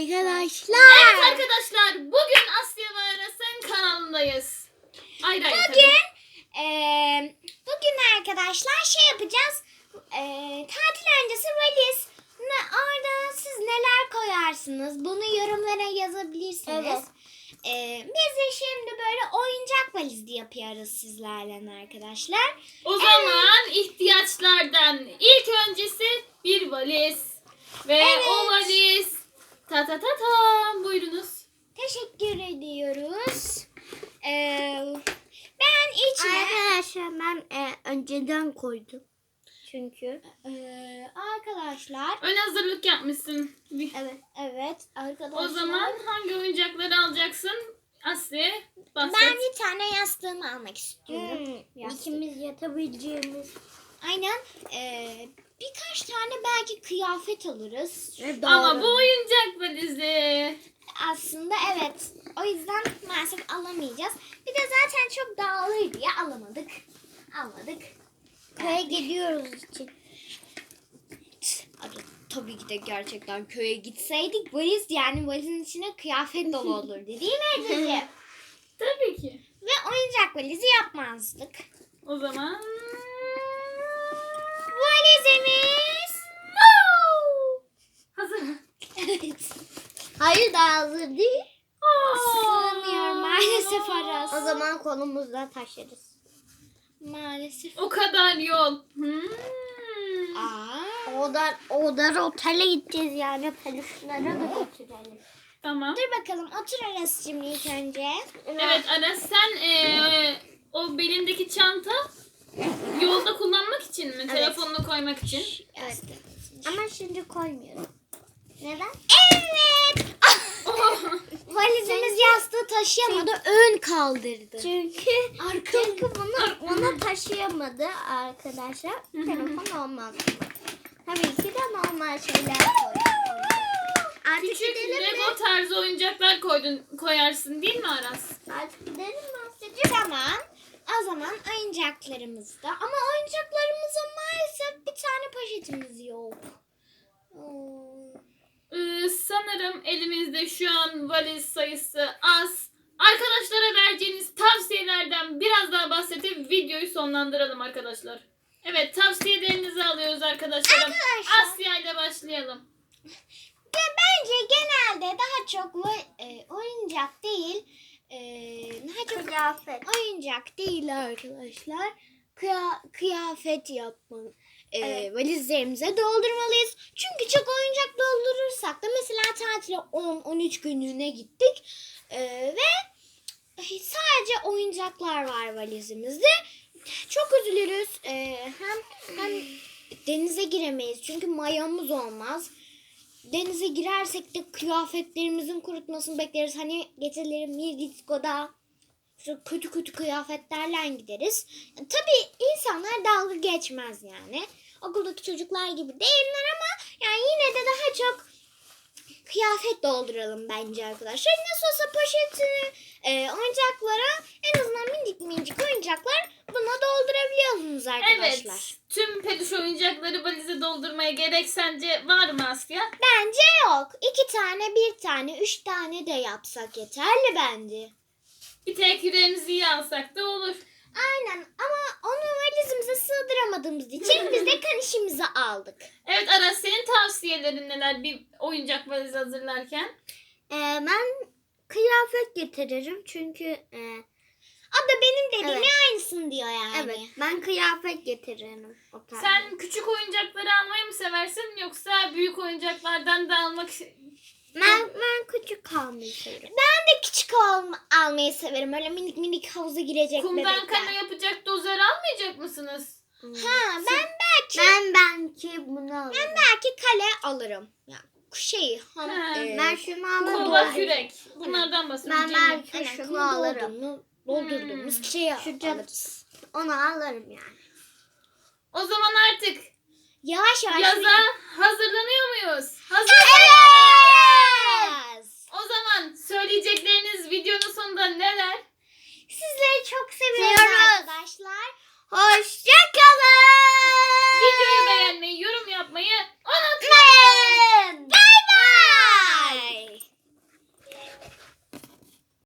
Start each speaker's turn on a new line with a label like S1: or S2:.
S1: arkadaşlar.
S2: Evet arkadaşlar, bugün Asya ve Aras'ın kanalındayız. Ayrı ayrı
S1: Bugün arkadaşlar şey yapacağız. Tatil öncesi valiz. Orada siz neler koyarsınız? Bunu yorumlara yazabilirsiniz.
S2: Evet.
S1: Biz de şimdi böyle oyuncak valizi yapıyoruz sizlerle arkadaşlar.
S2: O zaman ihtiyaçlardan ilk öncesi bir valiz. Ve
S1: Evet.
S2: o valiz ta buyurunuz.
S1: Teşekkür ediyoruz. Ben içine...
S3: Arkadaşlar ben önceden koydum. Çünkü.
S1: Arkadaşlar...
S2: Ön hazırlık yapmışsın.
S1: Evet arkadaşlar.
S2: O zaman hangi oyuncakları alacaksın? Asya bahset.
S1: Ben bir tane yastığımı almak istiyorum.
S3: İkimiz yatabileceğimiz.
S1: Aynen. Birkaç tane belki kıyafet alırız.
S2: Ama bu oyuncak valizi.
S1: Aslında evet. O yüzden maalesef alamayacağız. Bir de zaten çok dağılır diye alamadık. Almadık.
S3: Köye gidiyoruz için.
S1: Tabii ki de gerçekten köye gitseydik valiz yani valizin içine kıyafet dolu olurdu değil mi Ececiğim?
S2: Tabii ki.
S1: Ve oyuncak valizi yapmazdık.
S2: O zaman
S1: Valizimiz.
S2: hazır mı?
S1: Evet.
S3: Hayır daha hazır değil.
S1: Sığmıyor maalesef Aras.
S3: O zaman kolumuzla taşırız.
S1: Maalesef.
S2: O kadar yol.
S3: Oradan otele gideceğiz yani. Peluşlara da götürelim.
S2: Tamam.
S1: Dur bakalım otur Aras'cığım ilk önce.
S2: Evet Aras, sen o belindeki çanta yolda kullanmak için mi? Telefonunu koymak için.
S1: Evet.
S3: Ama şimdi koymuyorum. Neden?
S1: Evet. Valizimiz yastığı taşıyamadı. Ön kaldırdı.
S3: Çünkü bunu taşıyamadı arkadaşlar. Telefon olmaz. Tabii ki de normal şeyler koydum. Artık
S2: Küçük
S3: gidelim mi?
S2: Lego tarzı oyuncaklar koyarsın değil mi Aras?
S3: Artık gidelim mi Asya'cığım?
S1: Tamam. O zaman oyuncaklarımızda. Ama oyuncaklarımıza maalesef bir tane poşetimiz yok.
S2: Sanırım elimizde şu an valiz sayısı az. Arkadaşlara vereceğiniz tavsiyelerden biraz daha bahsedip videoyu sonlandıralım arkadaşlar. Evet, tavsiyelerinizi alıyoruz arkadaşlarım.
S1: Arkadaşlar.
S2: Asya ile başlayalım.
S1: Ve bence genelde daha çok oyuncak değil. Daha çok
S3: Kıyafet.
S1: oyuncak değil arkadaşlar. Kıyafet yapmalı.
S3: Evet.
S1: Valizlerimize doldurmalıyız. Çünkü çok oyuncak doldurursak da mesela tatile 10-13 günlüğüne gittik. Ve sadece oyuncaklar var valizimizde. Çok üzülürüz. Hem denize giremeyiz. Çünkü mayomuz olmaz. Denize girersek de kıyafetlerimizin kurutmasını bekleriz. Hani geceleri Mirdisko'da kötü kıyafetlerle gideriz. Tabii insanlar dalga geçmez yani. Okuldaki çocuklar gibi değiller ama yani yine de daha çok kıyafet dolduralım bence arkadaşlar. Nasıl olsa poşetini oyuncaklara en azından minicik oyuncaklar buna doldurabiliyorsunuz arkadaşlar.
S2: Evet. Tüm peluş oyuncakları valize doldurmaya gerek sence var mı Asya?
S1: Bence yok. 2 tane, 1 tane, 3 tane de yapsak yeterli bence.
S2: Bir tek yüreğimizi iyi alsak da olur.
S1: Aynen ama onu valizimize sığdıramadığımız için biz de kanişimizi aldık.
S2: Evet Aras, senin tavsiyelerin neler bir oyuncak valizi hazırlarken?
S3: Ben kıyafet getiririm çünkü
S1: O da benim dediğimin
S3: Evet.
S1: aynısını diyor yani.
S3: evet ben kıyafet getiririm. O tarz.
S2: Sen küçük oyuncakları almayı mı seversin yoksa büyük oyuncaklardan da almak...
S3: Ben küçük kalmayı severim.
S1: Ben de küçük almayı severim. Öyle minik havuza girecek
S2: Kumdan
S1: bebekler.
S2: kale yapacak dozer almayacak mısınız?
S1: Ha
S3: Ben belki bunu alırım.
S1: belki kale alırım. Ya
S3: Ben şunu alırım.
S2: Kova, kürek. Bunlardan bahsediyorum.
S3: Ben belki
S1: aynen,
S3: şunu alırım.
S1: doldurduğumuz şeyi
S3: Şu
S1: alırız.
S3: Onu alırım yani.
S2: O zaman artık
S1: Yavaş yavaş.
S2: yaza hazırlanıyor muyuz? Hazır.